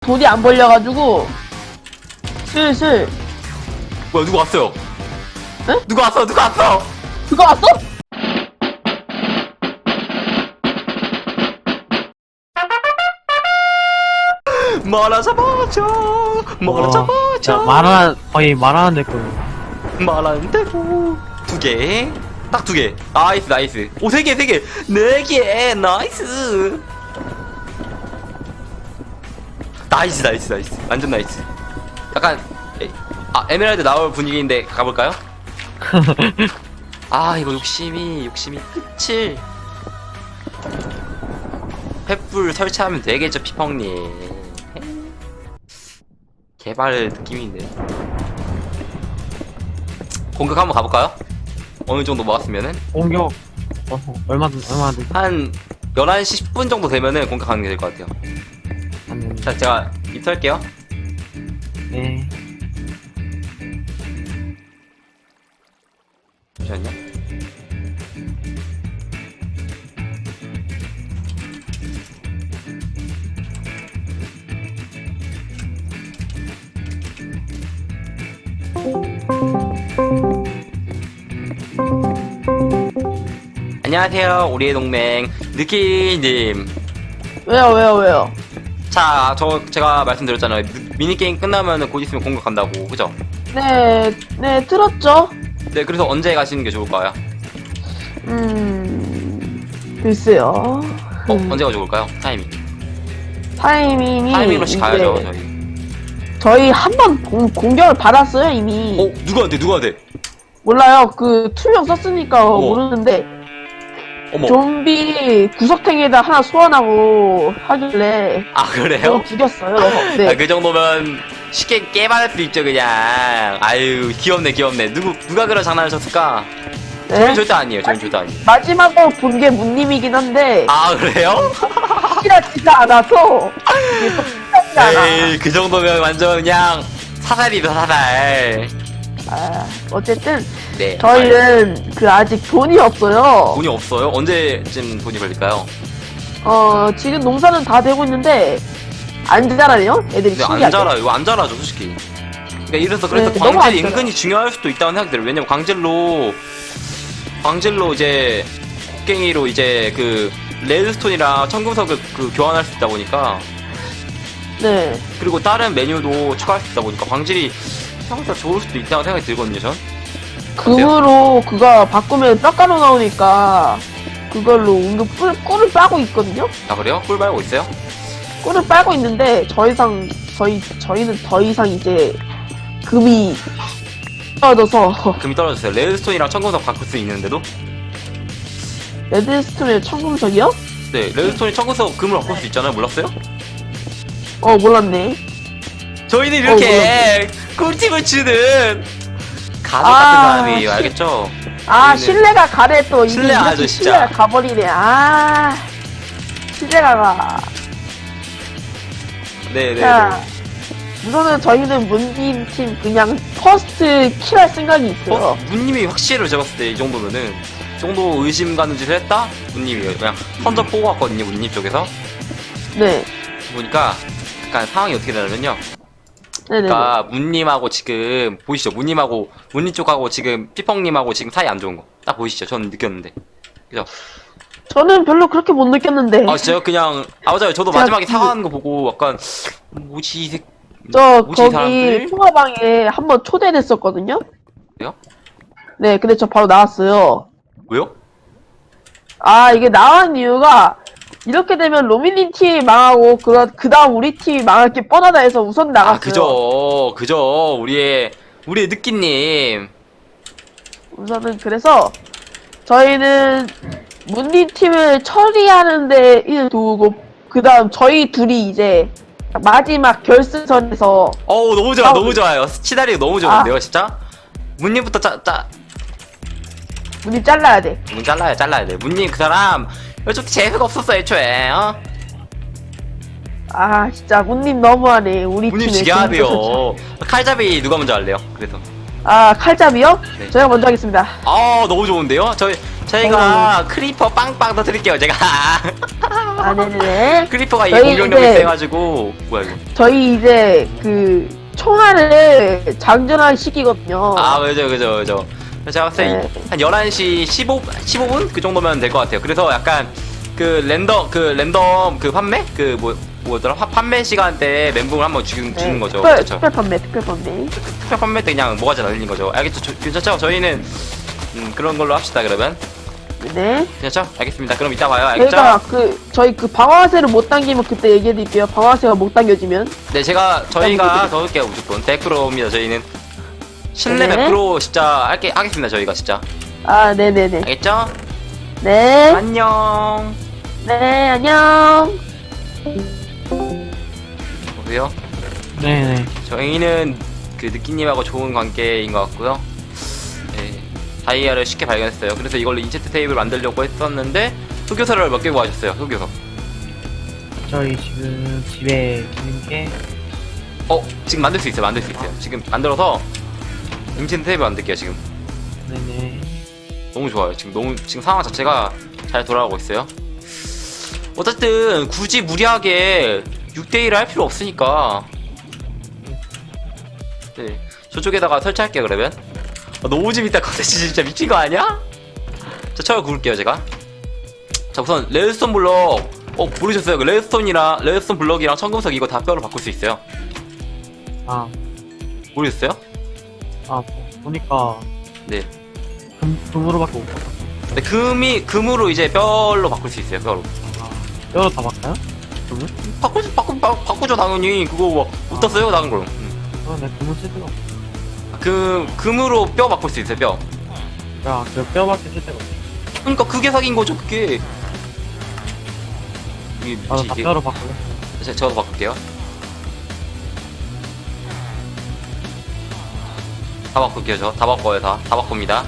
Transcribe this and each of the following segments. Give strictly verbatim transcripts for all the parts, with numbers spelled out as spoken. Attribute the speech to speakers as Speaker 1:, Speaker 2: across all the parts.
Speaker 1: 돈이 안 벌려가지고 슬슬.
Speaker 2: 뭐야 누구 왔어요?
Speaker 1: 응?
Speaker 2: 누구 왔어? 누구 왔어?
Speaker 1: 그거 왔어?
Speaker 2: 말아 잡아줘. 말아
Speaker 3: 와,
Speaker 2: 잡아줘.
Speaker 3: 진짜 말하 거의 말하는데 그
Speaker 2: 말하는 대로 두 개. 딱 두 개. 나이스 나이스. 오 세 개 세 개. 네 개. 나이스. 나이스 나이스 나이스. 완전 나이스. 약간 에, 아 에메랄드 나올 분위기인데 가볼까요? 아 이거 욕심이 욕심이 끝을. 횃불 설치하면 되겠죠 피펑님. 개발 느낌인데. 공격 한번 가볼까요? 어느 정도 모았으면은
Speaker 3: 공격 어, 얼마든 얼마든
Speaker 2: 한 열한 시 십 분 정도 되면은 공격하는 게 될 것 같아요.
Speaker 3: 하면
Speaker 2: 자 제가 입수할게요.
Speaker 3: 네.
Speaker 2: 잠시만요. 안녕하세요 우리의 동맹 느끼님.
Speaker 1: 왜요 왜요 왜요?
Speaker 2: 자 저 제가 말씀드렸잖아요. 미니게임 끝나면은 곧 있으면 공격 간다고 그죠?
Speaker 1: 네, 네 들었죠?
Speaker 2: 네 그래서 언제 가시는 게 좋을까요?
Speaker 1: 음, 글쎄요.
Speaker 2: 어
Speaker 1: 음,
Speaker 2: 언제가 좋을까요? 타이밍
Speaker 1: 타이밍이
Speaker 2: 타이밍으로씩
Speaker 1: 이제
Speaker 2: 가야죠 저희.
Speaker 1: 저희 한 번 공격을 받았어요 이미.
Speaker 2: 어 누구한테 누구한테?
Speaker 1: 몰라요. 그 투명 썼으니까
Speaker 2: 어머.
Speaker 1: 모르는데
Speaker 2: 어머.
Speaker 1: 좀비 구석탱이에다 하나 소환하고 하길래
Speaker 2: 아 그래요?
Speaker 1: 그거 죽였어요. 네.
Speaker 2: 아, 그 정도면 쉽게 깨발할 수 있죠 그냥. 아유 귀엽네 귀엽네. 누구 누가 그런 장난을 쳤을까?
Speaker 1: 네.
Speaker 2: 저는 절대 아니에요. 저는 절대 아니에요.
Speaker 1: 마지막으로 본 게 문님이긴 한데
Speaker 2: 아 그래요?
Speaker 1: 확실하지가 않아서 이게 또 확실하지 않아.
Speaker 2: 에이 그 정도면 완전 그냥 사살이다 사살.
Speaker 1: 아, 어쨌든
Speaker 2: 네.
Speaker 1: 저희는 그 아직 돈이 없어요.
Speaker 2: 돈이 없어요? 언제쯤 돈이 걸릴까요?
Speaker 1: 어 지금 농사는 다 되고 있는데 안 자라네요. 애들이
Speaker 2: 근데 안
Speaker 1: 신기하게.
Speaker 2: 자라요. 이거 안 자라죠 솔직히. 그러니까 이래서 그래서
Speaker 1: 네, 너무 안
Speaker 2: 광질이
Speaker 1: 자라요.
Speaker 2: 은근히 중요할 수도 있다는 생각이 들어요. 왜냐면 광질로 광질로 이제 곡괭이로 이제 그 레드스톤이랑 청금석을 그 교환할 수 있다 보니까,
Speaker 1: 네.
Speaker 2: 그리고 다른 메뉴도 추가할 수 있다 보니까 광질이 생각보다 좋을 수도 있다고 생각이 들거든요 전.
Speaker 1: 금으로 그거 바꾸면 뼈가루 나오니까 그걸로 은근 꿀, 꿀을 빠고 있거든요.
Speaker 2: 아 그래요? 꿀 말고 있어요?
Speaker 1: 꿀을 빨고 있는데 더 이상 저희 저희는 더 이상 이제 금이 떨어져서
Speaker 2: 금이 떨어졌어요. 레드스톤이랑 청금석 바꿀 수 있는데도.
Speaker 1: 레드스톤의 청금석이요?
Speaker 2: 네 레드스톤이 청금석 금을 바꿀 수 있잖아요. 몰랐어요?
Speaker 1: 어 몰랐네.
Speaker 2: 저희는 이렇게 꿀팁을 주는 가족 같은
Speaker 1: 아,
Speaker 2: 사람이에요.
Speaker 1: 시-
Speaker 2: 알겠죠?
Speaker 1: 아
Speaker 2: 저희는-
Speaker 1: 신뢰가 가래 또 이게
Speaker 2: 신뢰
Speaker 1: 이렇게
Speaker 2: 아주 진짜.
Speaker 1: 신뢰가 가버리네. 아 신뢰가 가.
Speaker 2: 네네.
Speaker 1: 자 우선은 저희는 문님 팀 그냥 퍼스트 킬할 생각이 있어요.
Speaker 2: 어? 문님이 확실히 제가 봤을 때 이 정도면은 이 정도 의심 가는 짓을 했다? 문님이에요. 그냥 선적 보고 왔거든요. 문님 쪽에서
Speaker 1: 네.
Speaker 2: 보니까 약간 상황이 어떻게 되냐면요.
Speaker 1: 네네.
Speaker 2: 그러니까 문님하고 지금 보이시죠? 문님하고 문님 쪽하고 지금 피펑님하고 지금 사이 안 좋은 거 딱 보이시죠? 저는 느꼈는데. 그죠?
Speaker 1: 저는 별로 그렇게 못 느꼈는데.
Speaker 2: 아 진짜요? 그냥 아 맞아요. 저도
Speaker 1: 제가
Speaker 2: 마지막에
Speaker 1: 그-
Speaker 2: 사과하는 거 보고 약간 뭐지 이 새...
Speaker 1: 저
Speaker 2: 뭐지 이
Speaker 1: 거기
Speaker 2: 사람들?
Speaker 1: 통화방에 한번 초대됐었거든요.
Speaker 2: 왜요?
Speaker 1: 네, 근데 저 바로 나왔어요.
Speaker 2: 왜요?
Speaker 1: 아 이게 나온 이유가 이렇게 되면 로미님 팀이 망하고 그, 그 다음 우리 팀이 망할 게 뻔하다 해서 우선 나갔어요.
Speaker 2: 아 그죠 그죠 우리의 우리의 느끼님.
Speaker 1: 우선은 그래서 저희는 문님 팀을 처리하는데 일 두고 그 다음 저희 둘이 이제 마지막 결승선에서
Speaker 2: 어우 너무 좋아
Speaker 1: 아우.
Speaker 2: 너무 좋아요. 시나리오 너무 좋은데요 진짜. 문님부터 짜짜
Speaker 1: 문님 잘라야 돼.
Speaker 2: 문 잘라야 잘라야 돼. 문님 그 사람 좀 재수가 없었어 애초에. 어?
Speaker 1: 아 진짜 문님 너무하네. 우리
Speaker 2: 문님
Speaker 1: 팀에
Speaker 2: 지게 해야
Speaker 1: 공격을
Speaker 2: 돼요. 칼잡이 누가 먼저 할래요? 그래서
Speaker 1: 아, 칼잡이요?
Speaker 2: 네.
Speaker 1: 제가 먼저 하겠습니다.
Speaker 2: 아 너무 좋은데요? 저희 저희가 크리퍼 빵빵 터뜨릴게요 제가.
Speaker 1: 아, 네네네.
Speaker 2: 크리퍼가 이
Speaker 1: 저희
Speaker 2: 공격력이
Speaker 1: 이제-
Speaker 2: 세가지고 뭐야 이거?
Speaker 1: 저희 이제 그 총알을 장전화 시키거든요.
Speaker 2: 아 그죠 그죠 그죠. 제가 봤을 때
Speaker 1: 네.
Speaker 2: 한 열한 시 십오, 십오 분? 그 정도면 될 것 같아요. 그래서 약간 그 랜덤 그 랜덤 그 판매? 그 뭐 뭐더라? 화- 판매 시간대에 멘붕을 한번 주는, 주는 거죠.
Speaker 1: 특별,
Speaker 2: 그렇죠.
Speaker 1: 특별 판매, 특별 판매.
Speaker 2: 특별 판매 때 그냥 뭐가지 날리는 거죠. 알겠죠? 저, 괜찮죠? 저희는 음, 그런 걸로 합시다 그러면.
Speaker 1: 네.
Speaker 2: 괜찮죠? 알겠습니다. 그럼 이따 봐요. 알겠죠?
Speaker 1: 저희가 그 저희 그 방아쇠를 못 당기면 그때 얘기해 드릴게요. 방아쇠가 못 당겨지면.
Speaker 2: 네, 제가 저희가 더 할게요 무조건 백 퍼센트입니다. 저희는 신뢰
Speaker 1: 네.
Speaker 2: 백 퍼센트 진짜 할게 하겠습니다. 저희가 진짜
Speaker 1: 아, 네네네.
Speaker 2: 알겠죠?
Speaker 1: 네.
Speaker 2: 안녕.
Speaker 1: 네, 안녕.
Speaker 2: 보세요.
Speaker 3: 네네.
Speaker 2: 저희는 그 느끼님하고 좋은 관계인 것 같고요. 네, 다이아를 쉽게 발견했어요. 그래서 이걸로 인체트 테이블 만들려고 했었는데 흑요소를 몇 개 구하셨어요. 흑요소.
Speaker 3: 저희 지금 집에 있는 게
Speaker 2: 어, 지금 만들 수 있어요. 만들 수 있어요. 지금 만들어서 인체트 테이블 만들게요. 지금
Speaker 3: 네네.
Speaker 2: 너무 좋아요. 지금 너무 지금 상황 자체가 잘 돌아가고 있어요. 어쨌든 굳이 무리하게 육 대 일을 할 필요 없으니까. 네, 저쪽에다가 설치할게요. 그러면 아, 너무 재밌다. 컨텐츠 진짜 미친 거 아니야? 자, 철 구울게요 제가. 자, 우선 레드스톤 블럭. 어, 모르셨어요? 그 레드스톤이랑 레드스톤 블럭이랑 청금석 이거 다 뼈로 바꿀 수 있어요.
Speaker 3: 아,
Speaker 2: 모르셨어요?
Speaker 3: 아 보- 보니까
Speaker 2: 네.
Speaker 3: 금 금으로밖에 못 봤어.
Speaker 2: 네, 금이 금으로 이제 뼈로 바꿀 수 있어요. 뼈로.
Speaker 3: 아, 뼈로 다 바꿔요? 금을?
Speaker 2: 바꾸죠, 바꾸, 바, 바꾸죠 당연히. 그거 뭐 어떻어요, 다른 걸? 음.
Speaker 3: 어, 내 금을 쓸 데가 없어.
Speaker 2: 그 금으로 뼈 바꿀 수 있어요. 뼈.
Speaker 3: 야, 그 뼈밖에 쓸 데가 없어.
Speaker 2: 그러니까 그게 사기인 거죠. 그게. 이게
Speaker 3: 나도
Speaker 2: 뭐지
Speaker 3: 다
Speaker 2: 이게?
Speaker 3: 뼈로 바꿀래.
Speaker 2: 제가 저도 바꿀게요. 다 바꿀게요. 저 다 바꿔요. 다. 다 바꿉니다.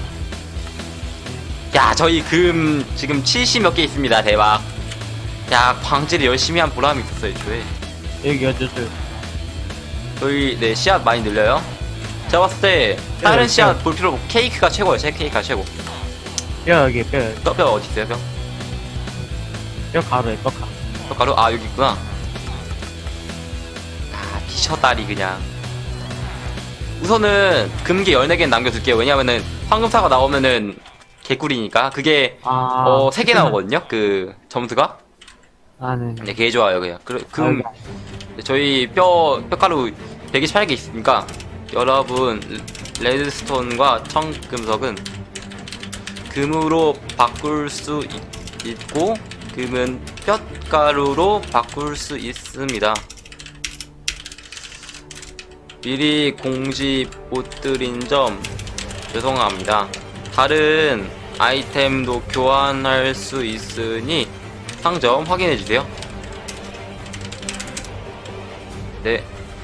Speaker 2: 야, 저희 금 지금 칠십 몇 개 있습니다. 대박. 야, 광질을 열심히 한 보람이 있었어요. 애초에.
Speaker 3: 여기 여쭈쭈.
Speaker 2: 저희 네 씨앗 많이 늘려요. 제가 봤을 때 다른
Speaker 3: 네,
Speaker 2: 씨앗 볼 필요 없고 케이크가 최고예요. 제 케이크가 최고.
Speaker 3: 뼈 여기 뼈 여기.
Speaker 2: 뼈, 뼈 어디 있어요? 뼈?
Speaker 3: 뼈 가루에 뼈 가루.
Speaker 2: 뼈 가루? 아, 여기 있구나. 아, 미쳤다리 그냥. 우선은 금기 열네 개는 남겨둘게요. 왜냐면은 황금사가 나오면은 개꿀이니까. 그게
Speaker 3: 아,
Speaker 2: 어 세 개 나오거든요. 그 점수가.
Speaker 3: 아, 네.
Speaker 2: 네, 개 좋아요. 그냥. 그,
Speaker 3: 아,
Speaker 2: 금 저희 뼈 뼈가루 백이십팔 개 있으니까 여러분 레드스톤과 청금석은 금으로 바꿀 수 있, 있고 금은 뼈가루로 바꿀 수 있습니다. 미리 공지 못 드린 점 죄송합니다. 다른 아이템도 교환할 수 있으니 상점 확인해주세요. 네.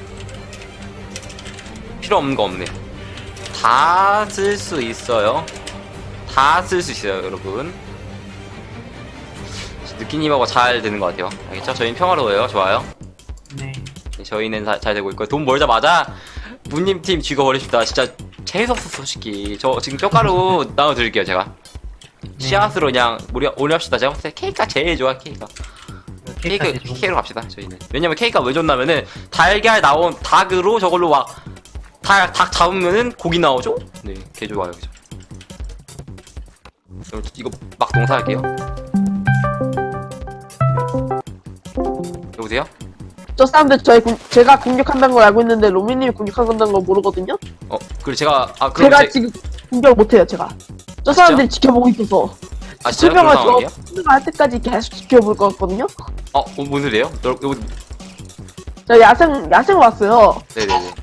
Speaker 2: 필요 없는 거 없네. 다 쓸 수 있어요. 다 쓸 수 있어요, 여러분. 느끼님하고 잘 되는 것 같아요. 알겠죠? 저희는 평화로워요. 좋아요.
Speaker 3: 네.
Speaker 2: 네, 저희는 사, 잘 되고 있고요. 돈 벌자마자 문님 팀 죽여버립시다. 진짜 재수없어, 솔직히. 저 지금 뼈가루 나눠드릴게요, 제가. 씨앗으로 그냥 우리 오래 합시다. 제가 봤을 때 케이크가 제일 좋아, 케이크가. 케이크,
Speaker 3: 케이크가 제일 좋은
Speaker 2: 케이크로 갑시다, 저희는. 왜냐면 케이크가 왜 좋냐면은, 달걀 나온 닭으로 저걸로 막, 닭, 닭 잡으면은 고기 나오죠? 네, 개 좋아요, 그죠? 그럼 이거 막 농사할게요. 여보세요?
Speaker 1: 저 사람들 저희 공, 제가 공격한다는 걸 알고 있는데 로미님이 공격한다는 걸 모르거든요.
Speaker 2: 어, 그리고 제가, 아, 그럼
Speaker 1: 제가
Speaker 2: 제,
Speaker 1: 지금 공격 못해요. 제가. 저
Speaker 2: 아,
Speaker 1: 사람들이 지켜보고 있어서.
Speaker 2: 아, 진짜요? 그런
Speaker 1: 설명을 저
Speaker 2: 상황이에요?
Speaker 1: 설명할 때까지 계속 지켜볼 것 같거든요.
Speaker 2: 어, 어, 뭔 소리예요? 너, 요,
Speaker 1: 저 야생 야생 왔어요.
Speaker 2: 네네네.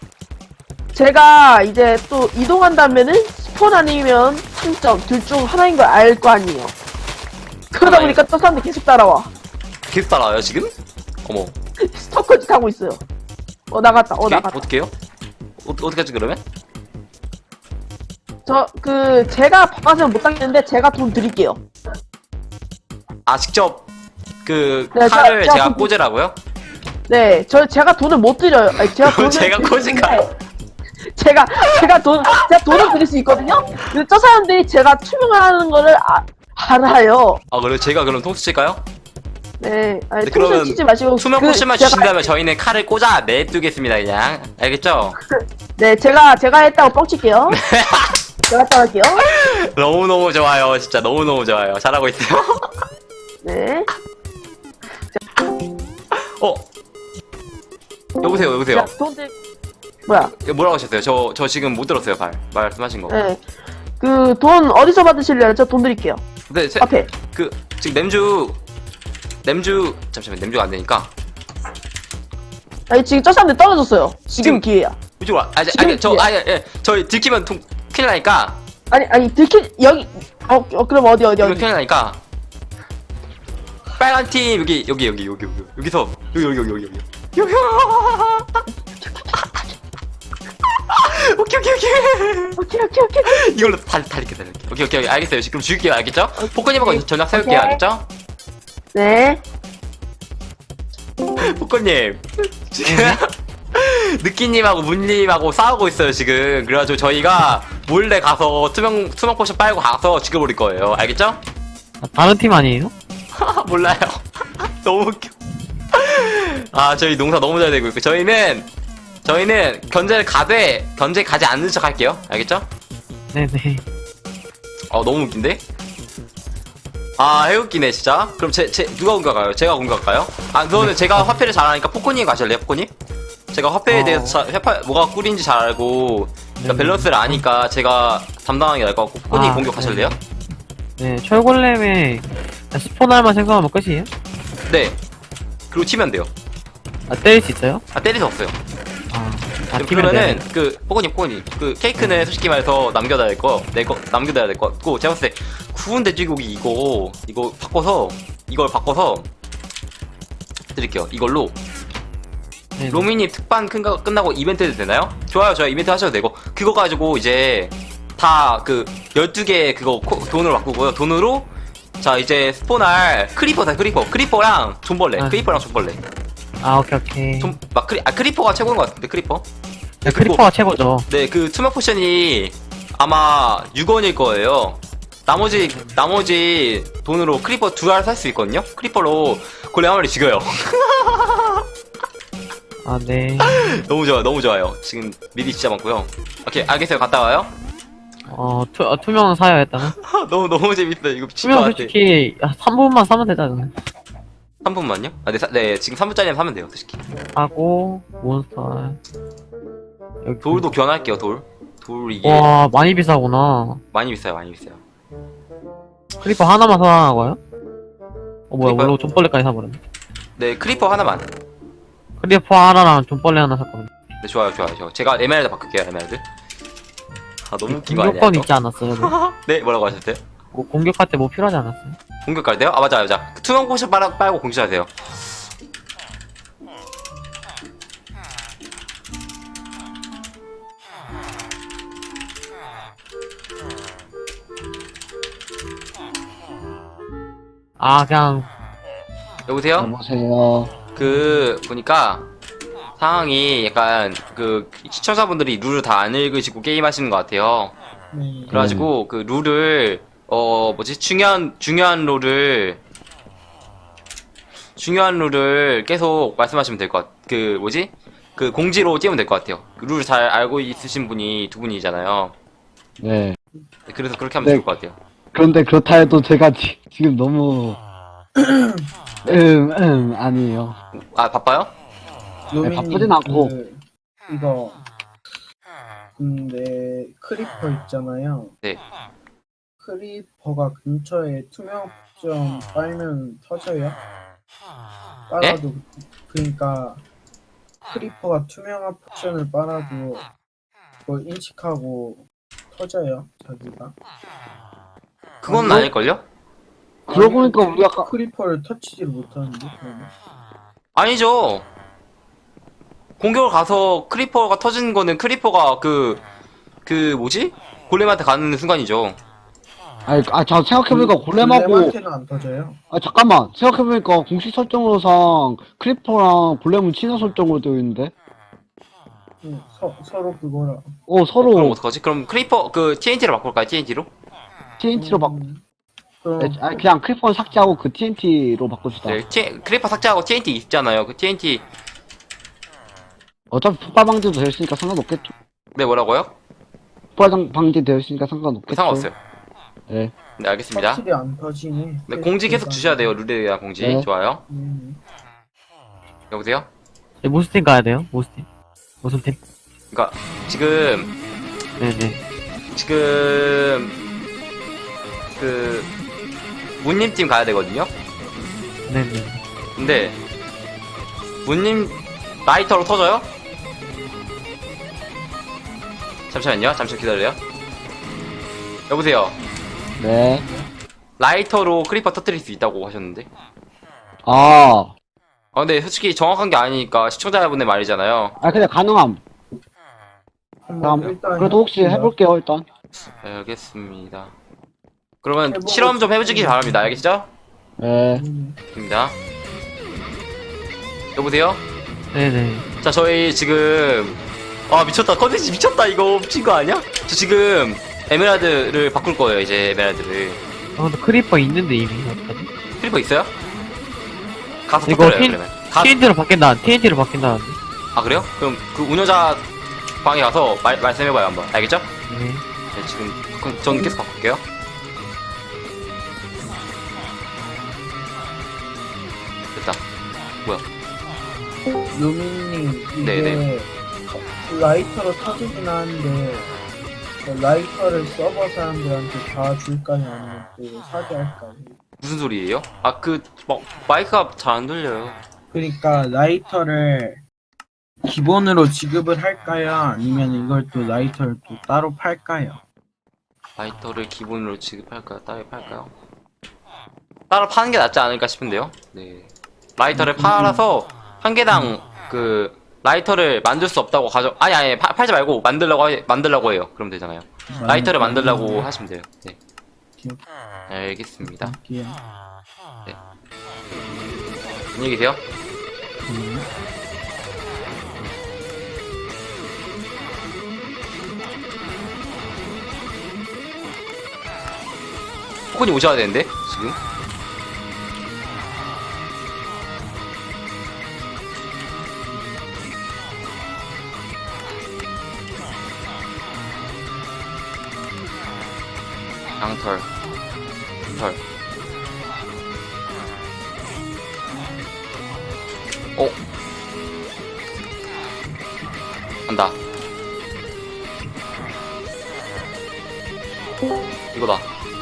Speaker 1: 제가 이제 또 이동한다면은 스폰 아니면 삼 점 둘 중 하나인 걸 알 거 아니에요. 그러다
Speaker 2: 하나인-
Speaker 1: 보니까 또 사람들 계속 따라와.
Speaker 2: 계속 따라와요, 지금? 어머.
Speaker 1: 스토커짓 하고 있어요. 어 나갔다. 어
Speaker 2: 어떻게?
Speaker 1: 나갔다.
Speaker 2: 어떻게요? 어, 어떻게 하지, 그러면?
Speaker 1: 저 그 제가 바꿔서 못 당기는데 제가 돈 드릴게요.
Speaker 2: 아, 직접, 그,
Speaker 1: 네,
Speaker 2: 칼을
Speaker 1: 제가-
Speaker 2: 제가
Speaker 1: 제가
Speaker 2: 꽂으라고요?
Speaker 1: 네, 저 제가 돈을 못 드려요. 아니, 제가
Speaker 2: 그럼
Speaker 1: 돈을
Speaker 2: 제가 꽂을까요?
Speaker 1: 제가 제가 돈 제가 돈을 드릴 수 있거든요. 근데 저 사람들이 제가 투명하는 거를 아, 알아요.
Speaker 2: 아 그래 제가 그럼 통수 칠까요?
Speaker 1: 네, 아니
Speaker 2: 네,
Speaker 1: 통수
Speaker 2: 그러면
Speaker 1: 치지 마시고
Speaker 2: 투명
Speaker 1: 그
Speaker 2: 포션만
Speaker 1: 제가-
Speaker 2: 주신다면 저희는 칼을 꽂아 내두겠습니다 그냥 알겠죠?
Speaker 1: 네, 제가 제가 했다고 뻥칠게요. 제가 했다고 할게요.
Speaker 2: 너무너무 좋아요 진짜 너무너무 좋아요 잘하고 있어요
Speaker 1: 네.
Speaker 2: 어? 여보세요 여보세요
Speaker 1: 자, 돈 드... 뭐야?
Speaker 2: 뭐라고 하셨어요? 저, 저 지금 못 들었어요 말 말씀하신 거
Speaker 1: 네. 그 돈 어디서 받으실래요? 저 돈 드릴게요.
Speaker 2: 근데 제,
Speaker 1: 앞에.
Speaker 2: 그 지금 냄주 냄주 잠시만 냄주가 안 되니까
Speaker 1: 아니 지금 저 사람들 떨어졌어요. 지금
Speaker 2: 지금-
Speaker 1: 기회야.
Speaker 2: 이쪽으로 와 아니
Speaker 1: 지금
Speaker 2: 아니 저
Speaker 1: 기회.
Speaker 2: 아니 예 저희 들키면 통 큰일 나니까
Speaker 1: 아니 아니 들키 여기 어, 어 그럼 어디 어디
Speaker 2: 이거
Speaker 1: 어디.
Speaker 2: 큰일 나니까 빨간 팀 여기 여기 여기 여기 여기 여기서 여기 여기 여기 여기 여기 여기 오케이 오케이 오케이
Speaker 1: 오케이 오케이 오케이.
Speaker 2: 이걸로 달 달릴게 달릴게 오케이 오케이 오케이 알겠어요 지금 죽일게요 알겠죠? 포커님하고 전략 세울게요
Speaker 1: 오케이.
Speaker 2: 알겠죠?
Speaker 1: 네.
Speaker 2: 포커님 지금 느끼님하고 문님하고 싸우고 있어요 지금 그래가지고 저희가 몰래 가서 투명 투명 포션 빨고 가서 죽여버릴 거예요 알겠죠?
Speaker 3: 아, 다른 팀 아니에요?
Speaker 2: 몰라요 너무 웃겨 아 저희 농사 너무 잘 되고 있고 저희는 저희는 견제를 가되 견제 가지 않는 척 할게요 알겠죠?
Speaker 3: 네네.
Speaker 2: 어 너무 웃긴데? 아 해웃기네 진짜 그럼 제, 제 누가 공격할까요? 제가 공격할까요? 아 그거는 제가 화폐를 잘 아니까 포코님 가실래요 포코님? 제가 화폐에
Speaker 3: 어.
Speaker 2: 대해서 자, 화폐 뭐가 꿀인지 잘 알고 그러니까
Speaker 3: 네.
Speaker 2: 밸런스를 아니까 제가 담당하는 게 나을 것 같고 포코님
Speaker 3: 아,
Speaker 2: 공격하실래요?
Speaker 3: 네, 철골렘에 스폰할만 생성하면 끝이에요?
Speaker 2: 네 그리고 치면 돼요
Speaker 3: 아, 때릴 수 있어요?
Speaker 2: 아 때릴 수 없어요
Speaker 3: 아, 아
Speaker 2: 그럼
Speaker 3: 팀은
Speaker 2: 그러면은
Speaker 3: 네.
Speaker 2: 그 포코님 포코님 그 케이크는 솔직히 말해서 남겨둬야 될 거 내 거 남겨둬야 될 것 같고 제가 봤을 때 구운 돼지고기 이거 이거 바꿔서 이걸 바꿔서 드릴게요 이걸로
Speaker 3: 네,
Speaker 2: 로미님 특반 끝나- 끝나고 이벤트 해도 되나요? 좋아요 좋아요 이벤트 하셔도 되고 그거 가지고 이제 다 그 열두 개 그거 코- 돈으로 바꾸고요 돈으로 자 이제 스폰할 크리퍼다 크리퍼 크리퍼랑 존벌레
Speaker 3: 아.
Speaker 2: 크리퍼랑 존벌레
Speaker 3: 아, 오케이, 오케이.
Speaker 2: 좀 막 크리 아 크리퍼가 최고인 것 같은데 크리퍼
Speaker 3: 네, 크리퍼가 최고죠.
Speaker 2: 네, 그 투명 포션이 아마 육 원일 거예요. 나머지 나머지 돈으로 크리퍼 두 알 살 수 있거든요. 크리퍼로 골렘 한 마리 죽여요.
Speaker 3: 아, 네.
Speaker 2: 너무 좋아요, 너무 좋아요. 지금 미리 진짜 많고요. 오케이, 알겠어요. 갔다 와요.
Speaker 3: 어, 투, 어, 투명 사요, 일단은.
Speaker 2: 너무 너무 재밌다. 이거 미칠 것
Speaker 3: 투명
Speaker 2: 같아.
Speaker 3: 솔직히, 삼 분만 사면 되잖아요.
Speaker 2: 삼 분만요? 아, 네, 사, 네, 지금 삼 분짜리면 사면 돼요, 솔직히.
Speaker 3: 하고, 몬스터. 여기.
Speaker 2: 돌도 교환할게요, 돌. 돌 이게
Speaker 3: 와, 많이 비싸구나.
Speaker 2: 많이 비싸요, 많이 비싸요.
Speaker 3: 크리퍼 하나만 사라고요? 어, 뭐야,
Speaker 2: 크리퍼요?
Speaker 3: 물론 존벌레까지 사버렸네.
Speaker 2: 네, 크리퍼 하나만.
Speaker 3: 크리퍼 하나랑 존벌레 하나 샀거든요.
Speaker 2: 네, 좋아요, 좋아요, 좋아요. 제가 에메랄드 바꿀게요, 에메랄드. 아, 너무 웃긴 거 아니야?
Speaker 3: 공격권
Speaker 2: 이거?
Speaker 3: 있지 않았어요? 뭐?
Speaker 2: 네, 뭐라고 하셨어요?
Speaker 3: 뭐 공격할 때 뭐 필요하지 않았어요?
Speaker 2: 공격 갈 때요? 아 맞아 맞아 투명 포션 빨, 빨고 공격해야 돼요
Speaker 3: 아, 그냥,
Speaker 2: 여보세요?
Speaker 4: 여보세요.
Speaker 2: 그 보니까 상황이 약간 그 시청자분들이 룰을 다 안 읽으시고 게임하시는 것 같아요 그래가지고 그 룰을 어 뭐지 중요한 중요한 룰을 중요한 룰을 계속 말씀하시면 될 것 같. 그 뭐지 그 공지로 띄우면 될 것 같아요 룰 잘 알고 있으신 분이 두 분이잖아요
Speaker 4: 네.
Speaker 2: 그래서 그렇게 하면
Speaker 4: 네.
Speaker 2: 좋을 것 같아요
Speaker 4: 그런데 그렇다 해도 제가 지, 지금 너무 음, 음, 아니에요.
Speaker 2: 아 바빠요?
Speaker 4: 네, 바쁘진 않고.
Speaker 5: 그, 이거 근데 크리퍼 있잖아요.
Speaker 2: 네.
Speaker 5: 크리퍼가 근처에 투명점 빨면 터져요? 빨아도 그러니까 크리퍼가 투명한 포션을 빨아도 그걸 인식하고 터져요 자기가.
Speaker 2: 그건
Speaker 4: 뭐?
Speaker 2: 아닐걸요?
Speaker 4: 그러고 보니까 우리 아까
Speaker 5: 크리퍼를 터치지를 못하는데 그러면?
Speaker 2: 아니죠. 공격을 가서 크리퍼가 터진 거는 크리퍼가 그, 그 뭐지? 골렘한테 가는 순간이죠.
Speaker 4: 아니, 아, 자, 생각해보니까 골렘하고,
Speaker 5: 골렘한테는 안 터져요.
Speaker 4: 아, 잠깐만. 생각해보니까 공식 설정으로상 크리퍼랑 골렘은 친화 설정으로 되어 있는데.
Speaker 5: 응, 서, 서로 그거라.
Speaker 4: 오, 서로
Speaker 2: 그럼 어떡하지? 그럼 크리퍼 그 티엔티로 바꿀까요? 티엔티로?
Speaker 4: 티엔티로 바,
Speaker 5: 음, 그럼
Speaker 4: 네, 아니, 그냥 크리퍼는 삭제하고 그 티엔티로 바꿉시다.
Speaker 2: 네, 티, 크리퍼 삭제하고 티엔티 있잖아요. 그 티엔티
Speaker 4: 어차피 폭발 방지도 되어 있으니까 상관없겠죠.
Speaker 2: 네 뭐라고요?
Speaker 4: 폭발 방지 되어 있으니까 상관없겠죠.
Speaker 2: 상관없어요.
Speaker 4: 네.
Speaker 2: 네 알겠습니다.
Speaker 5: 확실히 안 터지네.
Speaker 2: 네 공지 계속 주셔야 돼요. 룰에 대한 공지.
Speaker 4: 네.
Speaker 2: 좋아요.
Speaker 5: 음,
Speaker 2: 여보세요?
Speaker 3: 네, 무슨 팀 가야 돼요? 무슨 팀? 무슨 팀?
Speaker 2: 그러니까 지금
Speaker 3: 네네.
Speaker 2: 지금 그 문님 팀 가야 되거든요.
Speaker 3: 네네.
Speaker 2: 근데 문님 라이터로 터져요? 잠시만요. 잠시 기다려요. 여보세요.
Speaker 4: 네.
Speaker 2: 라이터로 크리퍼 터뜨릴 수 있다고 하셨는데.
Speaker 4: 아,
Speaker 2: 아 근데 솔직히 정확한 게 아니니까 시청자분의 말이잖아요.
Speaker 4: 아, 그냥 가능함.
Speaker 5: 한번
Speaker 4: 다음,
Speaker 5: 일단
Speaker 4: 그래도 혹시
Speaker 5: 해봅시다.
Speaker 4: 해볼게요, 일단.
Speaker 2: 알겠습니다. 그러면
Speaker 5: 해보고
Speaker 2: 실험 좀 해주기
Speaker 5: 싶은데.
Speaker 2: 바랍니다. 알겠죠?
Speaker 4: 네.
Speaker 5: 음,
Speaker 2: 입니다. 여보세요?
Speaker 3: 네네.
Speaker 2: 자 저희 지금 아 미쳤다 컨텐츠 미쳤다 이거 미친 거 아니야? 저 지금 에메랄드를 바꿀 거예요 이제 에메랄드를.
Speaker 3: 아, 근데 크리퍼 있는데 이미. 어떡하지?
Speaker 2: 크리퍼 있어요? 가서
Speaker 3: 이거
Speaker 2: 터뜨려요
Speaker 3: 틴-
Speaker 2: 그러면. 가...
Speaker 3: 티엔티로 바뀐다. 티엔티로 바뀐다는데.
Speaker 2: 아 그래요? 그럼 그 운영자 방에 가서 말, 말씀해봐요 한번. 알겠죠?
Speaker 3: 네.
Speaker 2: 네 지금 그럼 전 계속 바꿀게요. 됐다. 뭐야?
Speaker 5: 루미님 이게
Speaker 2: 네네.
Speaker 5: 터- 라이터로 터지긴 하는데 그 라이터를 서버 사람들한테 다 줄까요? 아니면 또 사게 할까요?
Speaker 2: 무슨 소리예요? 아 그 뭐, 마이크가 잘 안 들려요.
Speaker 5: 그러니까 라이터를 기본으로 지급을 할까요? 아니면 이걸 또 라이터를 또 따로 팔까요?
Speaker 2: 라이터를 기본으로 지급할까요? 따로 팔까요? 따로 파는 게 낫지 않을까 싶은데요. 네. 라이터를
Speaker 5: 음,
Speaker 2: 팔아서 한 개당 그 라이터를 만들 수 없다고 가져. 아니 아니 파- 팔지 말고 만들라고 하- 만들라고 해요. 그럼 되잖아요. 라이터를 만들라고 하시면 돼요. 네.
Speaker 5: 기억-
Speaker 2: 알겠습니다.
Speaker 5: 할게요.
Speaker 2: 안녕히 계세요.
Speaker 5: 음.
Speaker 2: 포콘이 오셔야 되는데 지금. 양털. 털. 어? 간다. 이거다.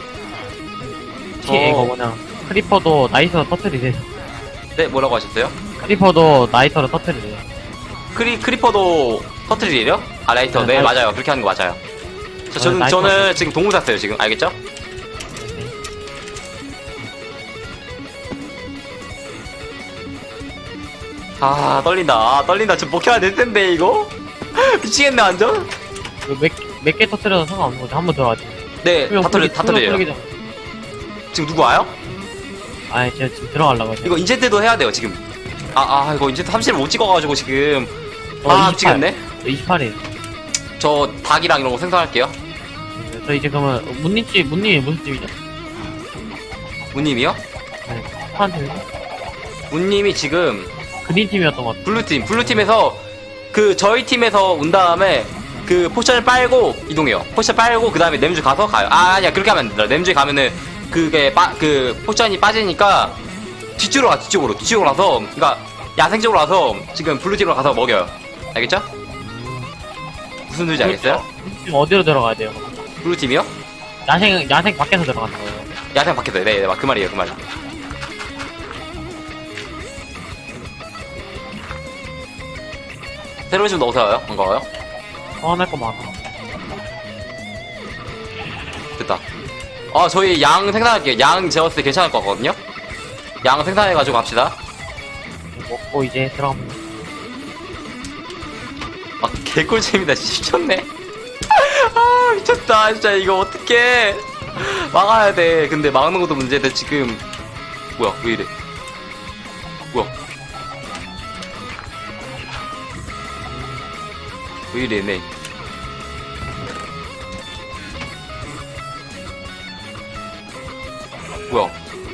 Speaker 3: 티 이거 뭐냐. 크리퍼도 나이터로 터뜨리세요.
Speaker 2: 네, 뭐라고 하셨어요?
Speaker 3: 크리퍼도 나이터로 터뜨리세요.
Speaker 2: 크리, 크리퍼도 터트리래요? 아, 라이터.
Speaker 3: 네,
Speaker 2: 네,
Speaker 3: 라이터.
Speaker 2: 맞아요. 그렇게 하는 거 맞아요. 저, 저는,
Speaker 3: 라이터.
Speaker 2: 저는 지금 동물 샀어요, 지금. 알겠죠? 아, 떨린다. 아, 떨린다. 저 목혀야 될 텐데, 이거? 미치겠네, 완전?
Speaker 3: 몇몇 개 터뜨려도 상관없는 거지. 한 번 들어가지.
Speaker 2: 네, 다 터려, 다 터려요. 지금 누구 와요?
Speaker 3: 아니 제가 지금 들어가려고 해요.
Speaker 2: 이거 인젠트도 해야 돼요, 지금. 아, 아, 이거 인젠트 삼십을 못 찍어가지고, 지금.
Speaker 3: 어,
Speaker 2: 아,
Speaker 3: 이십팔.
Speaker 2: 미치겠네.
Speaker 3: 이십팔이에요.
Speaker 2: 저 닭이랑 이런 거 생성할게요.
Speaker 3: 저 이제 그러면 문님집 문님이 무슨 집이죠?
Speaker 2: 문님이요?
Speaker 3: 파란 팀이죠?
Speaker 2: 문님이 지금
Speaker 3: 그린 팀이었던 것 같아요.
Speaker 2: 블루팀, 블루팀에서 그 저희 팀에서 온 다음에 그 포션을 빨고 이동해요. 포션 빨고 그 다음에 냄주 가서 가요. 아 아니야 그렇게 하면 안 된다. 냄주에 가면은 그게 빠, 그 포션이 빠지니까 뒤쪽으로 가 뒤쪽으로 뒤쪽으로 가서 그러니까 야생적으로 가서 지금 블루팀으로 가서 먹여요. 알겠죠? 무슨 소리인지 알겠어요?
Speaker 3: 지금 어디로 들어가야 돼요?
Speaker 2: 블루팀이요?
Speaker 3: 야생 야생 밖에서 들어가는 거예요.
Speaker 2: 야생 밖에서 네, 네, 그 말이에요 그 말. 새로운 집 넣어서 와요? 반가워요?
Speaker 3: 소환할 거 많아.
Speaker 2: 됐다. 아, 저희 양 생산할게요. 양 재웠을 때 괜찮을 것 같거든요? 양 생산해가지고 갑시다.
Speaker 3: 먹고 이제 들어가면 돼.
Speaker 2: 아, 개꿀잼이다. 진짜 미쳤네. 아, 미쳤다. 진짜 이거 어떡해. 막아야 돼. 근데 막는 것도 문제인데 지금. 뭐야, 왜 이래. 뭐야. 왜 이래 얘네. 뭐야?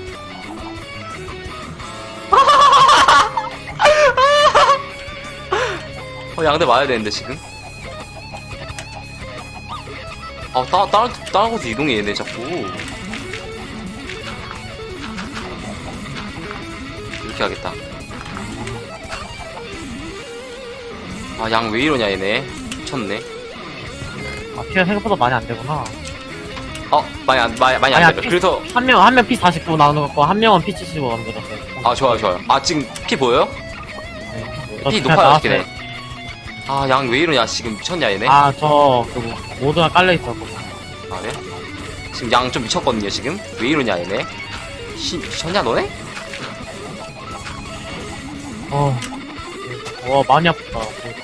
Speaker 2: 어, 양대 맞아야 되는데 지금. 아, 따, 다른 다른 곳에 이동해 얘네 자꾸. 이렇게 하겠다. 아, 양 왜 이러냐 얘네. 미쳤네.
Speaker 3: 아, 피가 생각보다 많이 안 되구나.
Speaker 2: 어, 많이 안 많이 많이 안
Speaker 3: 아니야,
Speaker 2: 돼요.
Speaker 3: 피-
Speaker 2: 그래서
Speaker 3: 한 명, 한 명 피 사십구 나오는 거 같고, 한 명은 피 칠십오 만들었어요.
Speaker 2: 아 좋아요 좋아요. 아 지금 피 보여요?
Speaker 3: 네.
Speaker 2: 피
Speaker 3: 저
Speaker 2: 높아요
Speaker 3: 나왔어요.
Speaker 2: 이렇게. 아, 양 왜 이러냐 지금 미쳤냐 얘네.
Speaker 3: 아, 저, 그, 뭐, 모드가 깔려있어, 그거.
Speaker 2: 아, 네? 지금 양 좀 미쳤거든요, 지금? 왜 이러냐, 얘네? 시, 미쳤냐, 너네?
Speaker 3: 어. 와, 많이 아프다.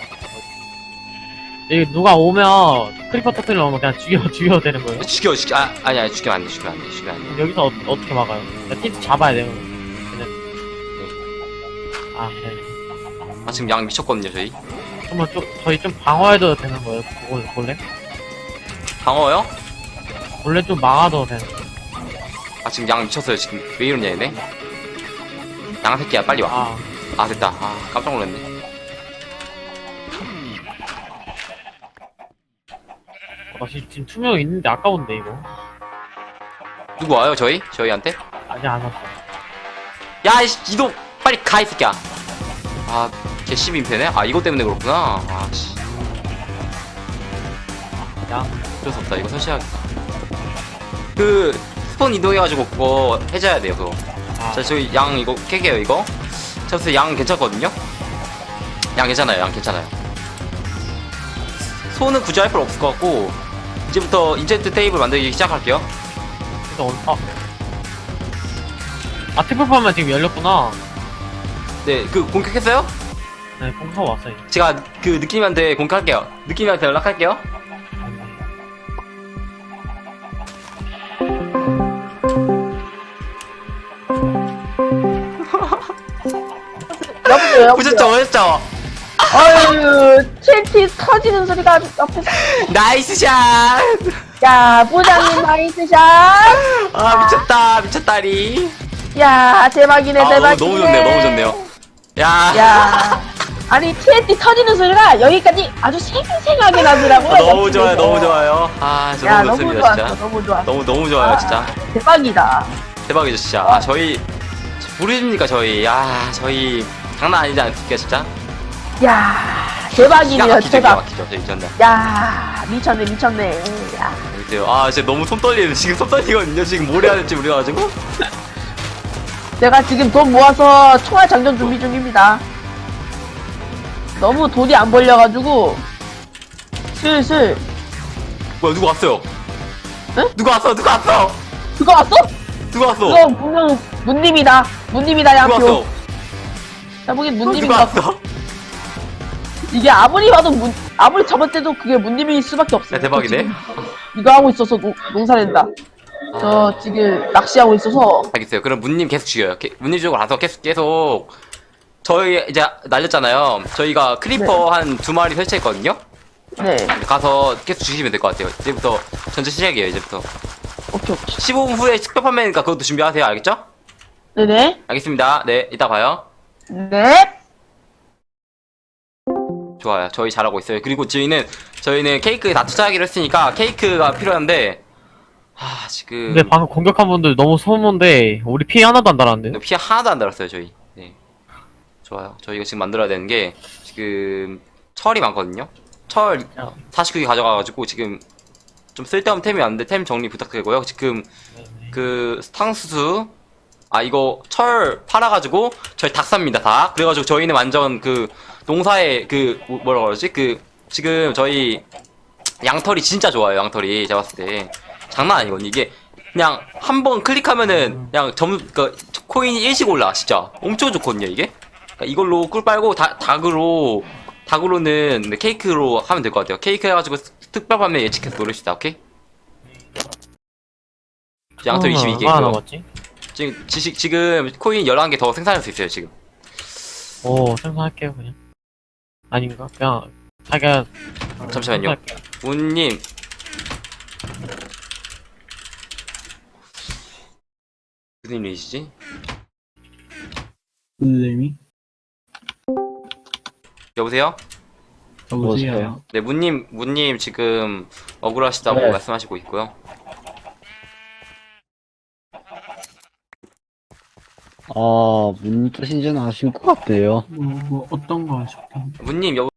Speaker 3: 여기 누가 오면, 크리퍼 터트리러 오면 그냥 죽여, 죽여도 되는 거예요?
Speaker 2: 죽여, 죽여, 아, 아니, 아니, 죽이면 안 돼, 죽이면 안 돼, 죽이면 안 돼.
Speaker 3: 여기서 어, 어떻게 막아요? 티트 잡아야 돼요. 그냥. 아, 네.
Speaker 2: 아, 지금 양 미쳤거든요, 저희.
Speaker 3: 그러면 좀, 저희 좀 방어해도 되는 거예요? 그걸, 원래?
Speaker 2: 방어요?
Speaker 3: 원래 좀 막아도 되는 거예요?
Speaker 2: 아, 지금 양 미쳤어요, 지금. 왜 이러냐, 얘네? 양 새끼야, 빨리 와.
Speaker 3: 아,
Speaker 2: 아, 됐다. 아, 깜짝 놀랐네.
Speaker 3: 나 지금, 지금 투명 있는데 아까운데, 이거.
Speaker 2: 누구 와요, 저희? 저희한테?
Speaker 3: 아직 안 왔어.
Speaker 2: 야, 이씨, 이동! 빨리 가, 이 새끼야! 아, 개씨민패네? 아, 이거 때문에 그렇구나. 아, 씨.
Speaker 3: 양.
Speaker 2: 어쩔 수 없다. 이거 설치해야겠다. 그, 스폰 이동해가지고 그거 해줘야 돼요, 그거.
Speaker 3: 아,
Speaker 2: 자, 저희 양 이거 깨게요, 이거. 자, 그래서 양 괜찮거든요? 양 괜찮아요, 양 괜찮아요. 소는 굳이 할 필요 없을 것 같고, 이제부터 인젠트 테이블 만들기 시작할게요.
Speaker 3: 근데 오늘, 아. 아, 트플파만 지금 열렸구나.
Speaker 2: 네, 그, 공격했어요?
Speaker 3: 네, 공사 왔어요.
Speaker 2: 제가 그 느낌한테 공격할게요. 느낌한테 연락할게요.
Speaker 1: 여보세요,
Speaker 2: 보셨죠,
Speaker 1: 여보세요.
Speaker 2: 보셨죠?
Speaker 1: 어휴, 티엔티 터지는 소리가 옆에서.
Speaker 2: 나이스 샷!
Speaker 1: 야, 부장님 나이스샷.
Speaker 2: 아, 미쳤다, 미쳤다리.
Speaker 1: 야, 대박이네,
Speaker 2: 아,
Speaker 1: 대박이네.
Speaker 2: 너무, 너무 좋네요, 너무 좋네요. 야,
Speaker 1: 야, 아니 티엔티 터지는 소리가 여기까지 아주 생생하게 나더라고요.
Speaker 2: 아, 너무
Speaker 1: 옆에서.
Speaker 2: 좋아요, 너무 좋아요. 아, 저
Speaker 1: 야,
Speaker 2: 너무
Speaker 1: 너무
Speaker 2: 좋습니다,
Speaker 1: 좋았어,
Speaker 2: 진짜.
Speaker 1: 너무 좋았어.
Speaker 2: 너무, 너무 좋아요,
Speaker 1: 아,
Speaker 2: 진짜.
Speaker 1: 대박이다.
Speaker 2: 대박이죠, 진짜. 아, 저희, 모르십니까, 저희. 야, 저희, 장난 아니지 않습니까, 진짜?
Speaker 1: 야,
Speaker 2: 기가
Speaker 1: 대박이네요,
Speaker 2: 막히죠, 기가
Speaker 1: 대박.
Speaker 2: 막히죠, 저희 전날.
Speaker 1: 야, 미쳤네, 미쳤네. 야.
Speaker 2: 그래요. 아, 진짜 너무 손 떨리는, 지금 손 떨리거든요. 지금 뭘 해야 될지 모르가지고.
Speaker 1: 내가 지금 돈 모아서 총알 장전 준비 중입니다. 너무 돈이 안 벌려가지고 슬슬.
Speaker 2: 뭐야, 누구 왔어요?
Speaker 1: 응?
Speaker 2: 누구 왔어, 누구 왔어?
Speaker 1: 그거 왔어?
Speaker 2: 누구 왔어?
Speaker 1: 그거 분명 문님이다. 문님이다,
Speaker 2: 누구
Speaker 1: 양표.
Speaker 2: 왔어?
Speaker 1: 야, 보긴
Speaker 2: 누구
Speaker 1: 문님인 것 같아.
Speaker 2: 왔어?
Speaker 1: 이게 아무리 봐도 문, 아무리 잡을 때도 그게 문님일 수밖에 없어.
Speaker 2: 야, 대박이네.
Speaker 1: 이거 하고 있어서 노, 농사낸다. 저 지금 낚시하고 있어서.
Speaker 2: 알겠어요. 그럼 문님 계속 죽여요. 게- 문님 쪽으로 가서 계속 계속 저희 이제 날렸잖아요. 저희가 크리퍼 한 두 마리 설치했거든요.
Speaker 1: 네.
Speaker 2: 가서 계속 죽이시면 될 것 같아요. 이제부터 전체 시작이에요. 이제부터
Speaker 1: 오케이, 오케이.
Speaker 2: 십오 분 후에 특별 판매니까 그것도 준비하세요. 알겠죠?
Speaker 1: 네네.
Speaker 2: 알겠습니다. 네, 이따 봐요.
Speaker 1: 네.
Speaker 2: 좋아요. 저희 잘하고 있어요. 그리고 저희는 저희는 케이크에 다 투자하기로 했으니까 케이크가 필요한데 아 지금
Speaker 3: 근데 방금 공격한 분들 너무 소문데, 우리 피해 하나도 안 달았는데?
Speaker 2: 피해 하나도 안 달았어요. 저희. 네. 좋아요. 저희가 지금 만들어야 되는 게 지금 철이 많거든요. 철
Speaker 3: 야.
Speaker 2: 사십구 개 가져가가지고 지금 좀 쓸데없는 템이 왔는데 템 정리 부탁드리고요. 지금 그 탕수수 아 이거 철 팔아가지고 저희 닭 삽니다 다. 그래가지고 저희는 완전 그 농사에 그 뭐- 뭐라 그러지 그 지금 저희 양털이 진짜 좋아요. 양털이 제가 봤을 때 장난 아니거든요. 이게 그냥 한 번 클릭하면은 그냥 점 그 코인이 일씩 올라 진짜 엄청 좋거든요 이게. 그러니까 이걸로 꿀 빨고 다, 닭으로 닭으로는 케이크로 하면 될 것 같아요. 케이크 해가지고 특별 판매 예측해서 노립시다. 오케이? 양털 이십이 개.
Speaker 3: 얼마나 남았지?
Speaker 2: 지금 지식 지금 코인 열한 개 더 생산할 수 있어요 지금.
Speaker 3: 오, 생산할게요, 그냥. 아닌가? 그냥, 자기가
Speaker 2: 잠시만요. 문님 무슨 일이시지?
Speaker 5: 은lem이?
Speaker 2: 여보세요?
Speaker 5: 여보세요.
Speaker 2: 네, 문님 문님 지금 억울하시다고
Speaker 4: 네.
Speaker 2: 말씀하시고 있고요.
Speaker 4: 아, 무슨 뜻인지는 아실 것 같아요.
Speaker 5: 뭐, 뭐 어떤 거 하셨던
Speaker 2: 문님 여